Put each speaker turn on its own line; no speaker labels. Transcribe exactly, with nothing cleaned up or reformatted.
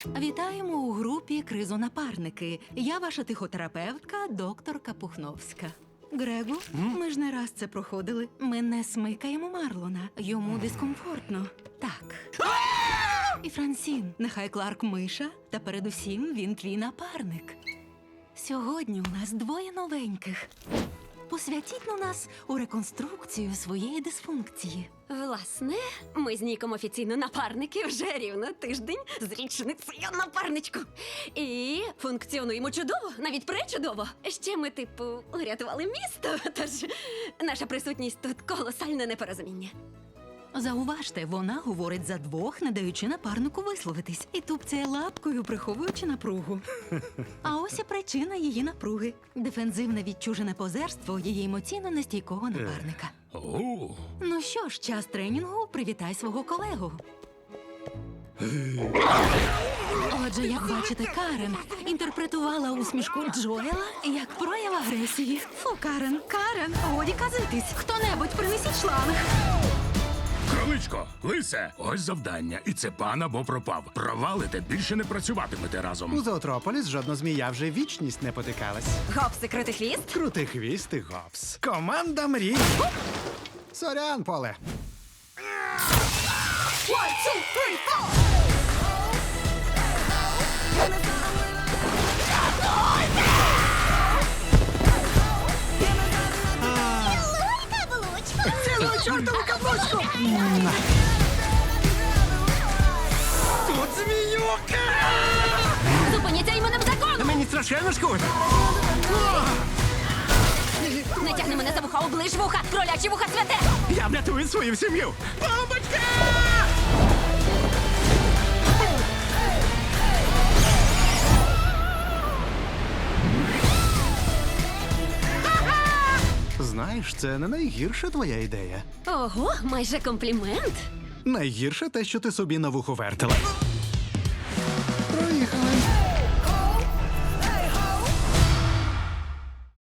Вітаємо у групі «Кризонапарники». Я ваша тихотерапевтка, докторка Пухновська. Грегу, ми ж не раз це проходили. Ми не смикаємо Марлона. Йому дискомфортно. Так. І Франсін, нехай Кларк миша, та передусім він твій напарник. Сьогодні у нас двоє новеньких. Посвятіть на нас у реконструкцію своєї дисфункції.
Власне, ми з Ніком офіційно напарники вже рівно тиждень з річницею напарничку. І функціонуємо чудово, навіть пречудово. Ще ми, типу, урятували місто, тож наша присутність тут колосальне непорозуміння.
Зауважте, вона говорить за двох, не даючи напарнику висловитись. І тупцяє лапкою, приховуючи напругу. А ось і причина її напруги. Дефензивне відчужене позерство її емоційно нестійкого напарника.
О,
Ну що ж, час тренінгу, привітай свого колегу. Отже, як бачите, Карен інтерпретувала усмішку Джоела як прояв агресії. Фу, Карен, Карен, годі казитись. Хто-небудь принесіть шланг.
кроличко, лисе, ось завдання. І це пан або пропав. Провалите, більше не працюватимете
У
разом.
Зоотрополіс жодна змія вже вічність не потикалась.
Гопси, крутий хвіст.
Крутий хвіст і гопс. Команда мрій. Сорян, Поле. Цілу чортову каблучку! Тут зміюка!
Зупиніться іменем закону!
Мені страшенно шкода.
Не тягни мене за вуха, оближ вуха! Кролячі вуха святе!
Я врятую свою сім'ю! Бомбочка! Знаєш, це не найгірша твоя ідея.
Ого, майже комплімент.
Найгірше те, що ти собі на вухо вертила.